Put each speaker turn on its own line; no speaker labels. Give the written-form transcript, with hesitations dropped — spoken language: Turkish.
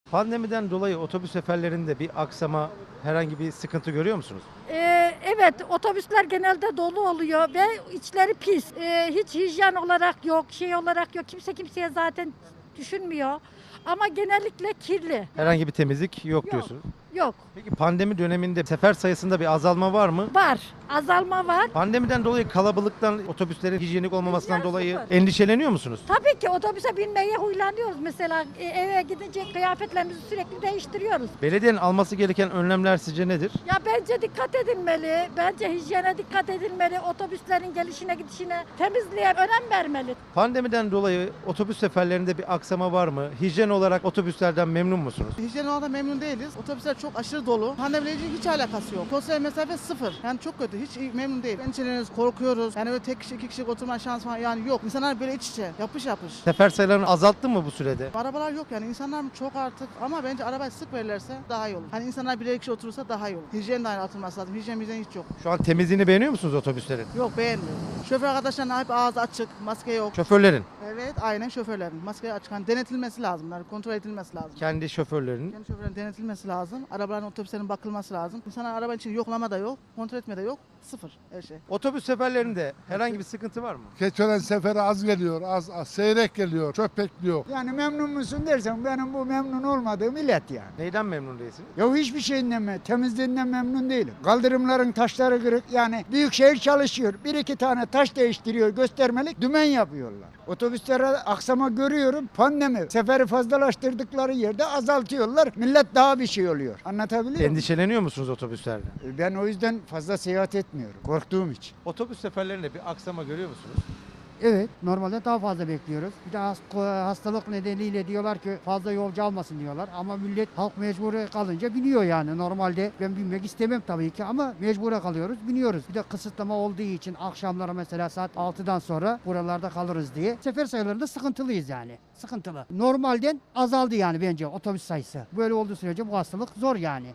Pandemiden dolayı otobüs seferlerinde bir aksama, herhangi bir sıkıntı görüyor musunuz?
Evet, otobüsler genelde dolu oluyor ve içleri pis. Hiç hijyen olarak yok, şey olarak yok. Kimse kimseye zaten düşünmüyor. Ama genellikle kirli.
Herhangi bir temizlik yok
Yok.
diyorsunuz.
Yok.
Peki pandemi döneminde sefer sayısında bir azalma var mı?
Var. Azalma var.
Pandemiden dolayı kalabalıktan, otobüslerin hijyenik olmamasından
Hijyen
dolayı
sıfır.
endişeleniyor musunuz?
Tabii ki otobüse binmeye huylanıyoruz mesela. Eve gidince kıyafetlerimizi sürekli değiştiriyoruz.
Belediyenin alması gereken önlemler sizce nedir?
Ya bence dikkat edilmeli. Bence hijyene dikkat edilmeli. Otobüslerin gelişine gidişine, temizliğe önem vermeli.
Pandemiden dolayı otobüs seferlerinde bir aksama var mı? Hijyen olarak otobüslerden memnun musunuz?
Hijyen olarak memnun değiliz. Otobüsler çok aşırı dolu. Pandemiyle ilgili hiç alakası yok. Sosyal mesafe sıfır. Yani çok kötü. Hiç memnun değil. Endişeleniyoruz, korkuyoruz. Yani öyle tek kişi, iki kişi oturma şansı falan yani yok. İnsanlar böyle iç içe, yapış yapış.
Sefer sayılarını azalttı mı bu sürede?
Arabalar yok yani insanlar mı çok artık ama bence arabayı sık verirlerse daha iyi olur. Hani insanlar birer kişi oturursa daha iyi olur. Hijyen de aynı atılması lazım. Hijyen bizden hiç yok.
Şu an temizliğini beğeniyor musunuz otobüslerin?
Yok beğenmiyorum. Şoför arkadaşlarına hep ağzı açık, maske yok.
Şoförlerin,
Evet aynen şoförlerin. Maske açık. Hani denetilmesi lazım. Yani kontrol edilmesi lazım.
kendi şoförlerinin.
Kendi şoförlerin denetilmesi lazım. Arabaların, otobüslerin bakılması lazım. İnsanlar arabanın için yoklama da yok, kontrol etme de yok. Sıfır her şey.
Otobüs seferlerinde herhangi bir sıkıntı var mı?
Keçören seferi az geliyor, az seyrek geliyor, çok bekliyor.
Yani memnun musun dersen benim bu memnun olmadığım illet yani.
Neyden memnun değilsiniz?
Ya hiçbir şeyinden temizliğinden memnun değilim. Kaldırımların taşları kırık yani büyükşehir çalışıyor. Bir iki tane taş değiştiriyor göstermelik dümen yapıyorlar. Otobüslere aksama görüyorum pandemi. Seferi fazlalaştırdıkları yerde azaltıyorlar. Millet daha bir şey oluyor. Anlatabiliyor muyum?
Endişeleniyor musunuz otobüslerde?
Ben o yüzden fazla seyahat etmiyorum. Korktuğum için.
Otobüs seferlerinde bir aksama görüyor musunuz?
Evet, normalde daha fazla bekliyoruz. Bir de hastalık nedeniyle diyorlar ki fazla yolcu almasın diyorlar. Ama millet halk mecburi kalınca biniyor yani. Normalde ben binmek istemem tabii ki ama mecbure kalıyoruz, biniyoruz. Bir de kısıtlama olduğu için akşamlara mesela saat 6'dan sonra buralarda kalırız diye. Sefer sayılarında sıkıntılıyız yani. Sıkıntılı. Normalden azaldı yani bence otobüs sayısı. Böyle olduğu sürece bu hastalık zor yani.